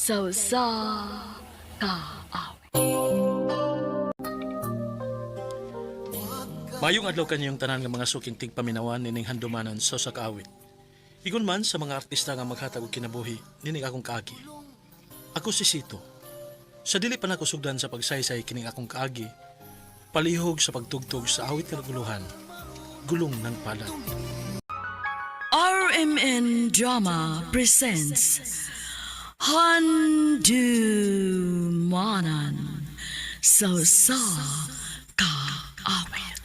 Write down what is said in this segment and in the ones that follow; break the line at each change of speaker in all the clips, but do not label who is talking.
sa kaawit.
Mayong adlaw kanyang tanan nga mga suking tigpaminawan nining handumanan sa kaawit. Igon man sa mga artista nga maghatag og kinabuhi nining akong kaagi. Ako si Sito. Sa dili pa nako sugdan sa pagsaysay kining akong kaagi, palihog sa pagtugtog sa awit nga naguluhan, gulong ng palad.
RMN Drama presents Handumanan sa kaawit.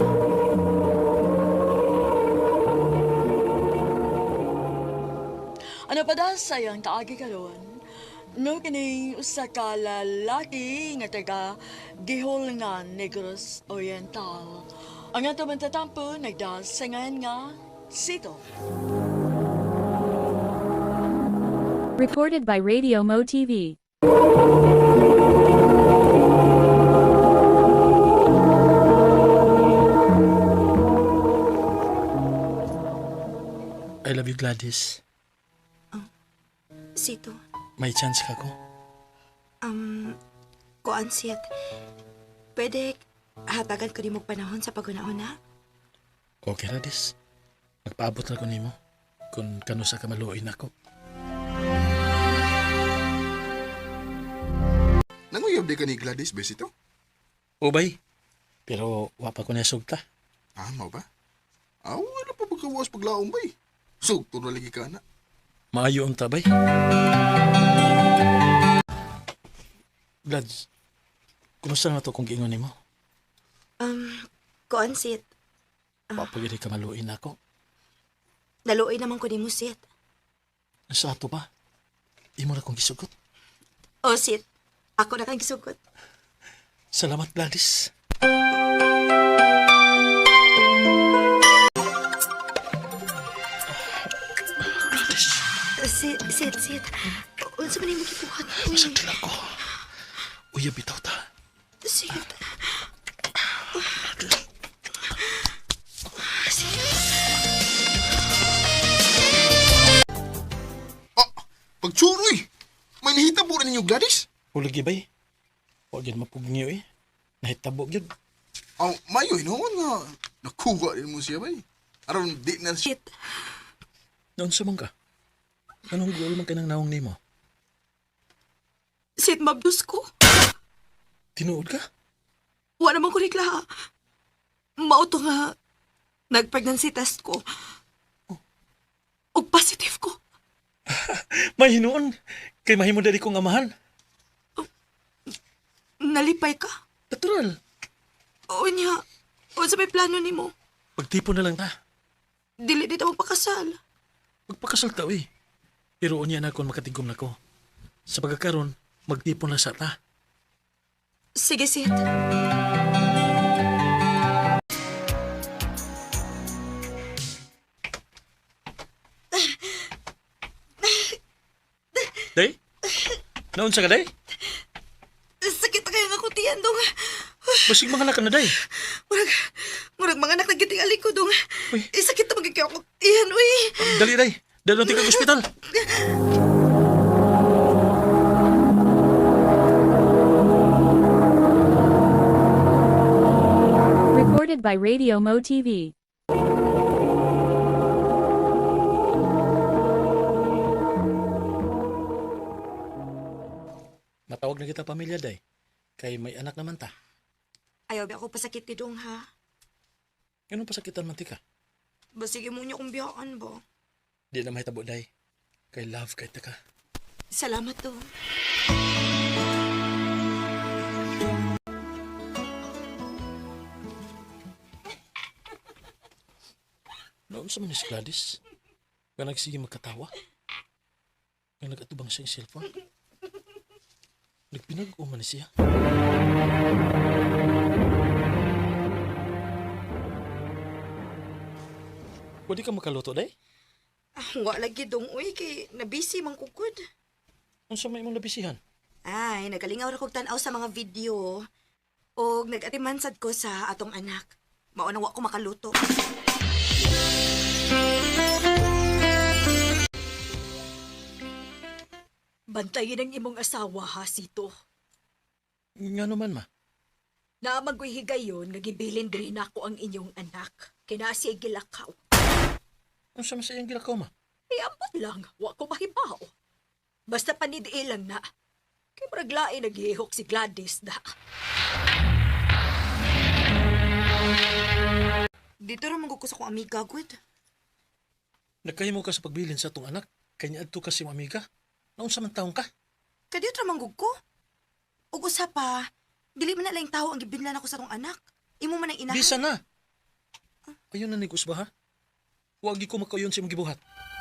Ano pa da sayang kaagi karon? No kini usa ka lalaki nga taga Gihol nga Negros Oriental. Ang ato man tatampo nagdasangan nga Sito.
Recorded by Radio Mo TV.
I love you, Gladys.
Sito,
May chance ka ko.
kuan siyat. Pwede hatagan ko di mo panahon sa pag-una-una?
Okay, Gladys. Magpaabot na ko nimo kung kano sa kamaluin ako.
Nanguyab di ka ni Gladys, besito?
Ubay, pero wapa ko na sugta.
Ah, mau ba? Wala pa pagkawas paglaong ba eh. Sugto na lagi ka na.
Maayo ang tabay. Glads, kumusta na to kung giingon nimo?
Kuan siyat.
Papagiri ka maluin ako.
Naluoy naman ko di mo siyat.
Sa ato ba? Imo na kong gisugot.
O siyat, ako na kang gisugot.
Salamat, Gladys. Gladys,
Siyat. Unsa man yung gibuhat?
masagdil ako. Uya, bitaw ta.
Siyat.
Pagsuroy! May nahita po rin ninyo, Gladys?
Hulagi bay. Huwag yan mapugniyo eh. Nahitabo yun.
Mayo, hinoon nga. Nakuha rin mo siya ba eh. Aron, di na siya.
Siyat.
Noon sa ka? Anong goal man ka ng naong nimo?
Siyat mabdus ko.
Tinuod ka?
Wala naman ko nigla. Mauto nga. Nag-pregnancy test ko. O positive ko.
May hinuon. Kay mahimo dali kong amahan.
Nalipay ka.
Natural.
O niya. O sa may plano ni mo.
Pagtipon na lang ta.
Dili dito mo pakasal.
Magpakasal ta eh. Pero unya na akong makatigom na ko. Sa pagkakaroon, magtipon na sa ta.
Sige, Sid.
Day? Naon sa ka, day?
Sakit na kayo nga kutiyan, dong.
Basig mga anak ka na, day.
Murag mga anak nagitingali ko, dong.
Uy.
Sakit na magiging ako kutiyan, uy.
Dali, day. Dali natin kang ospital.
Recorded by Radio Mo TV.
Matawag na kita pamilya, day. Kay may anak naman ta.
Ayaw ba ako pasakit ni dong, ha?
Anong pasakitan man tika?
Basige mo niyo kung biyaan ba?
Di na mahitabo, day. Kay love kay ta ka.
Salamat, dong.
Noon sa manis Gladys, nga nagsige magkatawa. Nga nagatubang siyang cellphone. Nagpinag-o man siya. Pwede ka makaluto, day?
Wa lagi, dong, uy. Kay nabisi mang kukod.
Ano sa may mong nabisihan?
Ay, nagalingaw ra kog tan-aw sa mga video. O nag-atimansad ko sa atong anak. Maunang wa ko makaluto.
Bantayin ang imong asawa ha, Sito.
Nga naman, ma.
Na maghihigayon nga gibilin rin ako ang inyong anak. Kinasi gilakaw.
Ano sa masayang gilakaw, ma?
Ambot lang, wa ko mahibao. Basta panidiin lang na. Kay maraglain naghihok si Gladys da.
Dito ra mangguko sa kong amiga, good.
Nagkahimo ka sa pagbilin sa atong anak. Kanya adto ka si amiga. Naunsa man taong ka?
Kadiyot ra manggugko. Ug usa pa, dili man na lang tao ang gibinlan ako sa tong anak. Imo man ang inahan.
Bisa na! Ayun na ni Kusba, ha? Huwag ko makayon si mong gibuhat.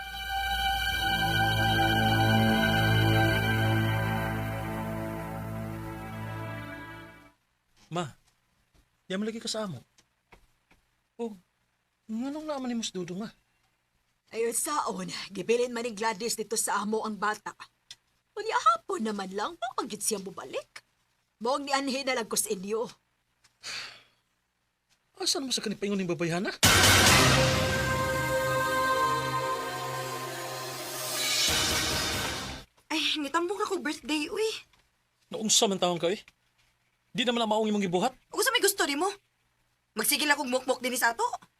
Ma, yaman lagi ka sa amo. Oh, nganong naman ni Mas Dudong, ma?
Ayun saon, gibilin man ni Gladys dito sa amo ang bata. Unya hapon naman lang, pagit siya bubalik. Mong nianhin na lang ko sa inyo.
Asa naman sa kanipaingon ng babayana?
Ay, nitambong na ko birthday, uy.
Naunsa man taong ka, eh? Di naman na maong imong gibuhat.
Ug sa may gusto nimo? Magsigil akong mukmok din sa ato.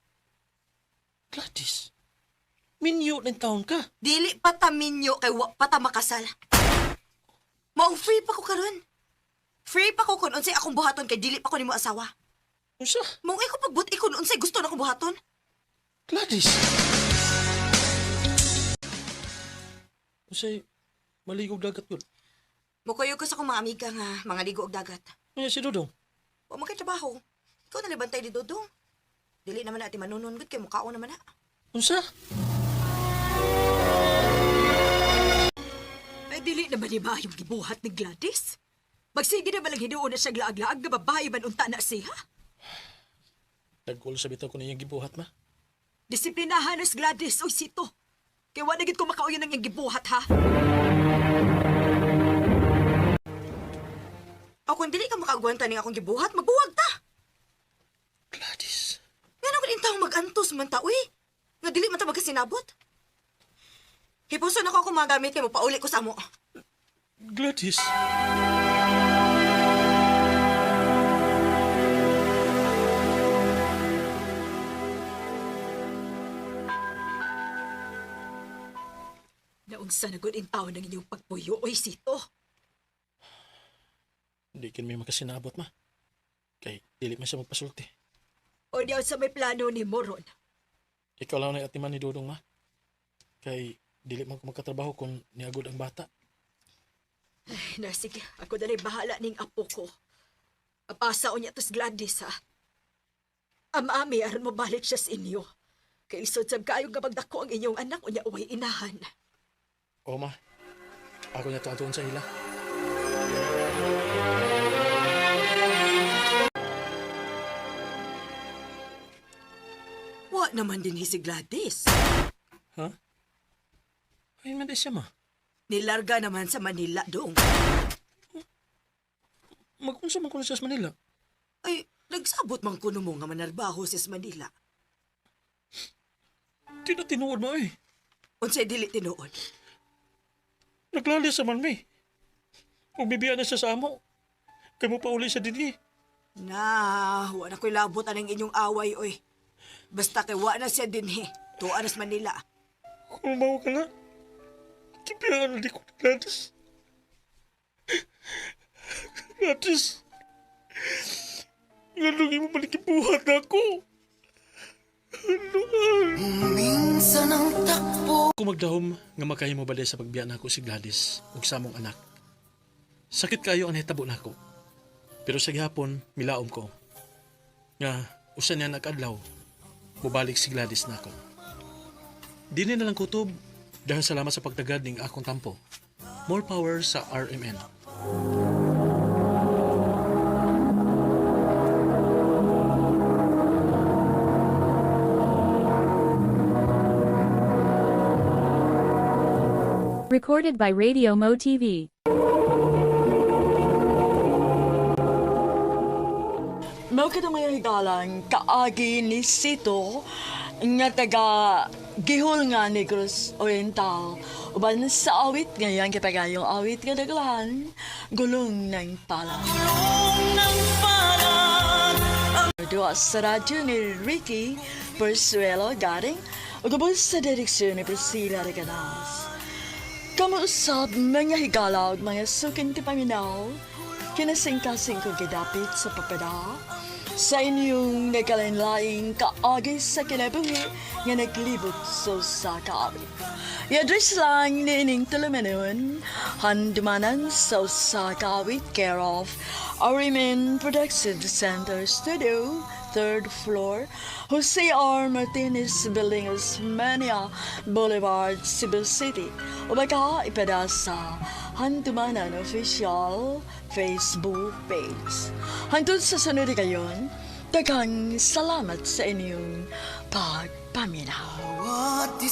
Gladys, minyo ng taon ka.
Dili pa ta minyo kay wa pa ta makasal. Maong free pa ko karon. Free pa ko kun unsay akong buhaton kay dili pa ko nimo asawa.
Unsa?
Maong iko pagbuti kun unsay gusto na akong buhaton.
Gladys! Unsay maligog dagat yun.
Mukayo ko sa akong mga amiga nga mga ligo og dagat.
Ano si Dudong?
Wa man kay trabaho. Ikaw na libantay di Dodong. Dili naman na ati manunun gud kay mukhaon naman na.
Unsa?
Ay dili naman ni ba yung gibuhat ni Gladys? Magsige na malang hinuon na siya glaag-laag na babae man unta na siya.
Nagkulo sa bitaw ko niyang gibuhat, ma.
Disiplinahan na si Gladys o Sito. Kaya wala gid ko makauyon ng iyang gibuhat ha.
O kung dili ka makagwanta ning akong gibuhat, magbuwag ta.
Gladys.
Ngano gud intawong mag-antos man ta uy. Nga dili man ta magkasinabot. Hipuson ako akong mga gamit kay mo pauli ko sa amo.
Gladys.
Naunsa na gud in taon ng inyong pagpuyo o Sito.
Hindi kin may makasinabot, ma. Kay dili man siya magpasulti.
O diyaw sa may plano ni Moron.
Ikaw lang na atiman ni Dudong, ma. Kay dili man ko magkatrabaho kung niagod ang bata.
Ay, na sige, ako dali bahala ning apo ko. Apasa o niya tos Gladys ha. Amami, aron mo balik siya sa inyo. Kay isod sab kayo nga magdako ang inyong anak o niya uway inahan.
O, ma. Ako niya tuwan sa ila.
Wa naman din si Gladys.
Ha? Ayun man di siya, ma.
Nilarga naman sa Manila dong.
Mag-unsa man ko na siya sa Manila.
Ay, nagsabot man kuno mo nga manarbaho sa Manila.
Di na tinuod, ma, eh.
Unsay dili tinuod.
Naglali sa man, mi. Kung bibiyaan na siya sa amo, kay mo pa uli siya din, eh.
Na, wa na ko'y labot anang inyong away, oy. Basta kay wa na siya din, he. Tuan sa Manila.
Kung mawa ka nga, kibiyangan na di ko ni Gladys. Gladys, ngalungi mo malikibuhat na ako.
Minsan ang takbo.
Kung magdahom nga makahimo balay sa pagbiyan nako si Gladys ug sa among anak. Sakit kayo ang hitabo nako. Pero sa gihapon milaom ko nga usa niya nag-adlaw mubalik si Gladys nako. Dili na lang kutob dahil salamat sa pagtagad ning akong tampo. More power sa RMN.
Recorded by Radio Mo TV.
Mao kita ngayon higalan, kaagi ni Sito, nga taga Gihol nga Negros Oriental, Uban sa awit ngayon kapagayong awit nga daglan, gulong ng palad. Dua sa radyo ni Ricky Persuelo garing ugabos sa direksyon ni Priscilla Regadas. Kamuusap mga higala ug mga suking tipaminaw, kinasing-kasing kong gidapit sa papada, sa inyong nagkalinlaing kaagi sa kinabuhi nga naglibot sa kaawit. I-address lang ni ining tulumanon, handumanan sa kaawit care of Arimen Production Center Studio, 3rd floor, Jose R. Martinez Building, Osmania Boulevard, Cebu City. O baka ipada sa Handumanan Official Facebook page. Hangtod sa sunod kayon, daghang salamat sa inyong pagpaminaw.